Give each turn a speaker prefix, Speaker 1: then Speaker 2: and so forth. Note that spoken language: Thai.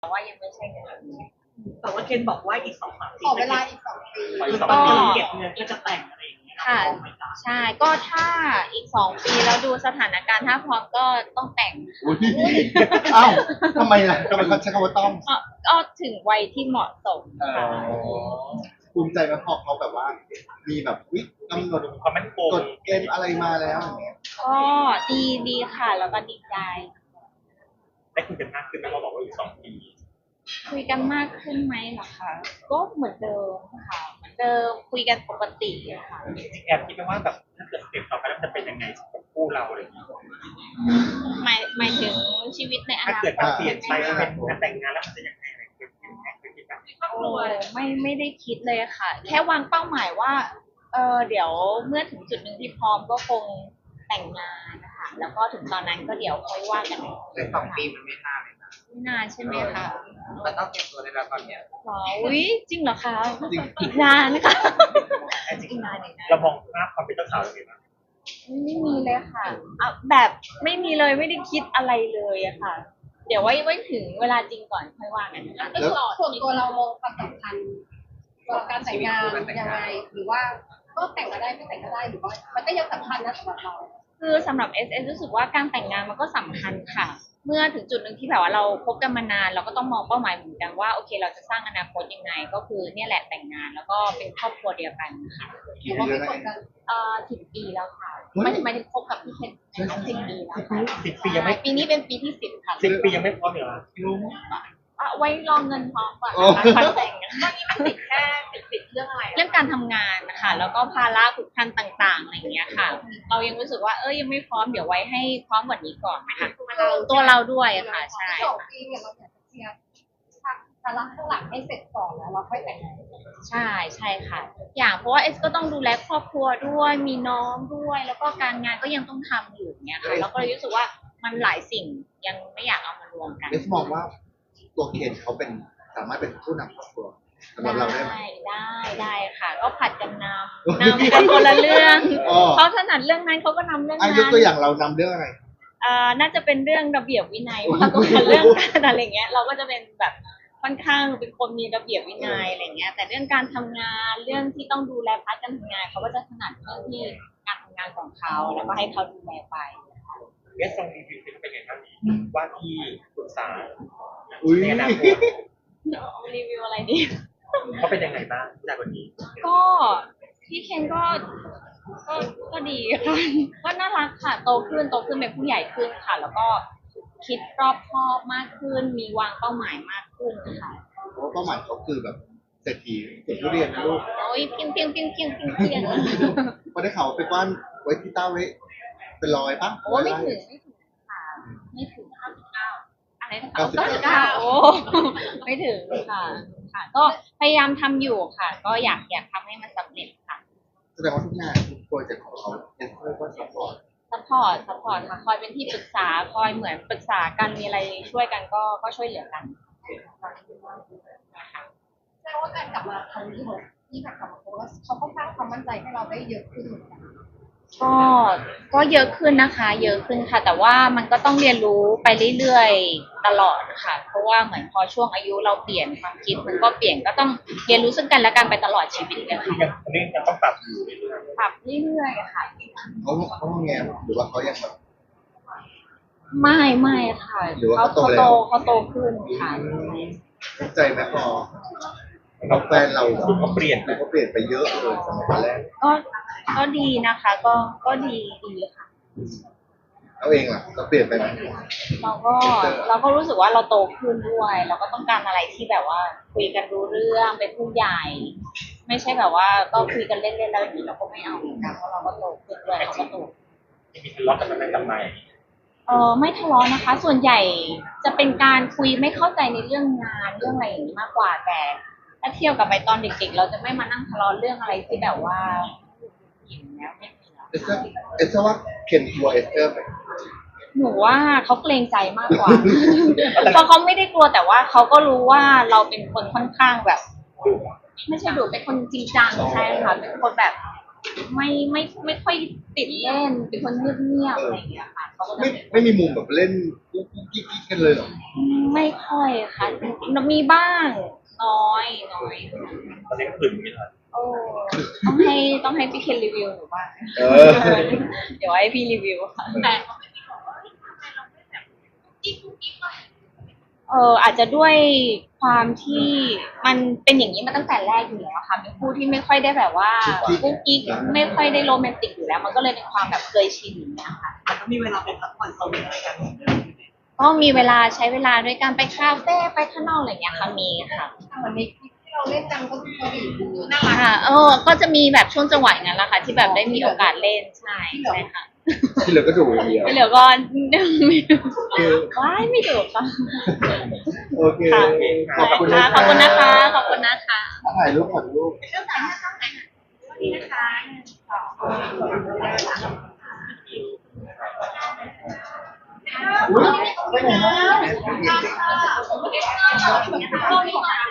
Speaker 1: ว่ายังไม่ใช่เงิน
Speaker 2: แต่ว่าเคนบอกว่าอีก2-3 ปี
Speaker 3: ขอเวลาอีก2 ปี
Speaker 2: ก็เก็บเงินก็จะแต่งอะไรอย่างเงี้ย
Speaker 1: ค่ะใช่ก็ถ้าอีก2 ปีแล้วดูสถานการณ์ถ้าพร้อมก็ต้องแต่ง
Speaker 4: อุ้ยอ้าวทำไมล่ะทำไมเขาใช้คำว่าต้อง
Speaker 1: ก็ถึงวัยที่เหมาะสมค่ะ
Speaker 4: ภูมิใจไหมพอเขาแบบว่ามีแบบวิกำหนด
Speaker 2: ความมั่นคง
Speaker 4: กฎเกณฑ์อะไรมาแล้วอย่างเงี้ย
Speaker 1: ก็ดีค่ะแล้วก็ดีใจ
Speaker 2: ได้คุยกันมากขึ้นไหมเราบอกว่าอีก2 ปี
Speaker 1: คุยกันมากขึ้นไหมเหรอคะก็เหมือนเดิมค่ะเหมือนเดิมคุยกันปกติอะค่ะ
Speaker 2: จริงๆแอบคิดไหมว่าแบบถ้าเกิดสเต็ปต่อไปแล้วจะเป็นยังไงกับคู่เราอะไรอย่างเงี้ย
Speaker 1: หมายถึงชีวิตในอนาคต
Speaker 2: ถ้าเกิดมันเปลี่ยนไปแล้วเป็นการแต่งงานแล้วมันจะยังไงอะไรเป็นคิดแบบ
Speaker 1: ไม่ได้คิดเลยค่ะแค่วางเป้าหมายว่าเดี๋ยวเมื่อถึงจุดหนึ่งที่พร้อมก็คงแต่งงานนะคะแล้วก็ถึงตอนนั้นก็เดี๋ยวค่อยว่ากัน
Speaker 3: ใน2 ปีมันไม่นานเลยนะ
Speaker 1: ไม่นานใช่ไหมคะ
Speaker 3: มันต้องเก็บตัวในระดับเนี้ย
Speaker 1: อุ้ยจริงเหรอคะอีกนานนะคะอีกนาน
Speaker 2: เรามองภาพความเป็นเจ้าสาวยังไงบ้าง
Speaker 1: ไม่มีเลยค่ะแบบไม่มีเลยไม่ได้คิดอะไรเลยอะค่ะเดี๋ยวไว้ถึงเวลาจริงก่อนค่อยว่ากันนะคะ
Speaker 3: แล้วส่วนตัวเรามองความสำคัญกับการแต่งงานยังไงหรือว่าก็แต่งก็ได้ไม่แต่งก็ได้หรือว่ามันก็ยังสำคัญนะสำหรับเรา
Speaker 1: คือสำหรับ SS รู้สึกว่าการแต่งงานมันก็สำคัญค่ะเมื่อถึงจุดหนึ่งที่แบบว่าเราคบกันมานานเราก็ต้องมองเป้าหมายเหมือนกันว่าโอเคเราจะสร้างอนาคตยังไงก็คือเนี่ยแหละแต่งงานแล้วก็เป็นครอบครัวเดียวกันค่ะ
Speaker 3: หรือว่าไม่คบกัน
Speaker 1: 10 ปีแล้วค่ะไม่ได้คบกับพี่เคน10 ปีแล้วค่ะ
Speaker 2: 10 ปียังไม่
Speaker 1: ปีนี้เป็นปีที่10ค่ะ
Speaker 2: 10 ปียังไม่พร้อมเหรอ
Speaker 1: ไว้รอเงินพร้อมก่อนนะคะแต่งตอนนี้มันติดแค่ติดเรื่องอะไรเรื่องการทำงานนะคะแล้วก็ภาระผูกพันต่างๆอะไรอย่างเงี้ยค่ะเรายังรู้สึกว่ายังไม่พร้อมเดี๋ยวไว้ให้พร้อมกว่านี้ก่อนนะคะตัวเราด้วยค่ะใช่
Speaker 3: 2 ปีเนี่ยเราอยากจะเคลียร์ภาระข้างหลังให้เสร็จก่อนแล้วเราค่อยแต่งงาน
Speaker 1: ใช่ค่ะอย่างเพราะว่าเอสก็ต้องดูแลครอบครัวด้วยมีน้องด้วยแล้วก็การงานก็ยังต้องทำอยู่เงี้ยค่ะแล้วก็เลยรู้สึกว่ามันหลายสิ่งยังไม่อยากเอามารวมกัน
Speaker 4: เอสมองว่าตัวเคนเขาเป็นสามารถเป็นผู้นำครอบครัวสำหรับเราได้ไหม
Speaker 1: ได้ค่ะก็ผัดกันนำกันคนละเรื่องเขาถนัดเรื่องนั้นเขาก็นำเรื่องนั้น
Speaker 4: ยกตัวอย่างเรานำเรื่องอะไร
Speaker 1: น่าจะเป็นเรื่องระเบียบวินัยมากกว่าเรื่องการอะไรเงี้ยเราก็จะเป็นแบบค่อนข้างเป็นคนมีระเบียบวินัยอะไรเงี้ยแต่เรื่องการทำงานเรื่องที่ต้องดูแลพาร์ทการทำงานเขาก็จะถนัดเรื่องที่การทำงานของเขาแล้วก็ให้เขาดูแลไป
Speaker 2: เอสลองรีวิวเป็นไงบ้างว่าที่ปรึกษาในอนาคต
Speaker 1: รีวิวอะไรดี
Speaker 2: เขาเป็นยังไงบ้างจากวันนี้
Speaker 1: ก็พี่เคนก็ดีค่ะก็น่ารักค่ะโตขึ้นเป็นผู้ใหญ่ขึ้นค่ะแล้วก็คิดรอบคอบมากขึ้นมีวางเป้าหมายมากขึ้นค่ะ
Speaker 4: เพราะเป้าหมายเขาคือแบบเศรษฐีเก็บทุเรียนนะลูก
Speaker 1: โอ้ยเพียง
Speaker 4: พอได้ข่าวไปกว้านไว้ที่เต้าไว้เป็น100ป่ะ
Speaker 1: โอ้ไม่ถึงค่ะไม่ถึง99อะไร99โอ้ไม่ถึงค่ะก็พยายามทำอยู่ค่ะก็อยากทำให้มันสำเร็จค่ะ
Speaker 4: แสดงว่าทุกงานทุกโปรเจกต์ของเขาเป็นเพื่อซัพพอร์ต
Speaker 1: ค่ะคอยเป็นที่ปรึกษาคอยเหมือนปรึกษากันมีอะไรช่วยกันก็ช่วยเหลือกัน
Speaker 3: แสดงว่าการกลับมาครั้งนี้ของที่กลับมาเพราะว่าเขาก็สร้างความมั่นใจให้เราได้เยอะขึ้น
Speaker 1: ก็เยอะขึ้นนะคะเยอะขึ้นค่ะแต่ว่ามันก็ต้องเรียนรู้ไปเรื่อยๆตลอดค่ะเพราะว่าเหมือนพอช่วงอายุเราเปลี่ยนความคิดมันก็เปลี่ยนก็ต้องเรียนรู้ซึ่งกันและกันไปตลอดชีวิตเลยค่ะ
Speaker 2: ยังต้องปรับอยู่
Speaker 1: เรื่อยๆค่ะ
Speaker 4: เขาแงหรือว่าเขายังแบบ
Speaker 1: ไม่ค่ะเขาโตขึ้นค่ะ
Speaker 4: ใจไหมพอเราแฟนเราเขาเปลี่ยนไปเยอะเลยสมัยแรก
Speaker 1: ก็ดีนะคะก็ดีค่ะ
Speaker 4: เราเองล่ะเราเปลี่ยนไปไหม
Speaker 1: เราก็รู้สึกว่าเราโตขึ้นด้วยเราก็ต้องการอะไรที่แบบว่าคุยกันรู้เรื่องเป็นผู้ใหญ่ไม่ใช่แบบว่าก็คุยกันเล่นๆแล้วอย่างนี้เราก็ไม่เอาเหมือนกันเพราะเราก็โตขึ้นด้วยเราก็โต
Speaker 2: มีทะเลาะกันไหมกับนาย
Speaker 1: ไม่ทะเลาะนะคะส่วนใหญ่จะเป็นการคุยไม่เข้าใจในเรื่องงานเรื่องอะไรอย่างนี้มากกว่าแต่ถ้าเทียบกับไปตอนเด็กๆเราจะไม่มานั่งทะเลาะเรื่องอะไรที่แบบว่าแล้วไม่
Speaker 4: เอสว่าเคนกลัวเอสเตอร์ไหม
Speaker 1: หนูว่าเขาเกรงใจมากกว่าเพราะเขาไม่ได้กลัวแต่ว่าเขาก็รู้ว่าเราเป็นคนค่อนข้างแบบไม่ใช่ดุเป็นคนจริงจังใช่ค่ะเป็นคนแบบไม่ค่อยติดเล่นเป็นคนเงียบๆอะไรอย่างเงี้ยค่ะเขาก็จะ
Speaker 4: ไม่มีมุมแบบเล่นกุ๊กกิ๊กกันเลยเหรอ
Speaker 1: ไม่ค่อยค่ะมีบ้างน้อยค่ะ
Speaker 2: ตอนนี้ก็คือไม่ทัน
Speaker 1: โอ้ต้องให้พี่เคนรีวิวหนูบ้าง เดี๋ยวให้พี่รีวิวค่ะแต่อาจจะด้วยความที่มันเป็นอย่างนี้มาตั้งแต่แรกอยู่แล้วค่ะเป็นคู่ที่ไม่ค่อยได้แบบว่ากุ๊กกิ๊กไม่ค่อยได้โรแมนติกอยู่แล้ว มันก็เลยเป็นความแบบเคยชินอย่างเงี้ยค่ะ
Speaker 5: มันก็มีเวลาไปพักผ่อนโซนอะไรกัน
Speaker 1: ก็มีเวลาใช้เวลาด้วยการไปคาเฟ่ไปข้างนอกอะไรอย่างเงี้ยค่ะมีค่ะ
Speaker 3: เหมือนในคลิปที่เราเล่นกันก็คือดีดูน่ารัก
Speaker 1: ค่ะก็จะมีแบบช่วงจังหวะอย่างนั้นแหละค่ะ ที่แบบได้มีโอกาสเล่นใช่ค่ะ
Speaker 4: ที่เหลือก็ดูอย่างเดียว
Speaker 1: ไม่เหลือก็ไม่ดูว้ายไม่ดูค่ะ
Speaker 4: โอเค
Speaker 1: ค่ะ
Speaker 4: ขอบคุณ
Speaker 1: ขอบคุณนะคะขอบคุณนะคะ
Speaker 4: ถ่ายรูปถ่ายรูป
Speaker 3: เรื่องการให้ต้องแต่งนี่นะคะ
Speaker 4: อุ๊ยไปไหนมา
Speaker 3: ก็มีของ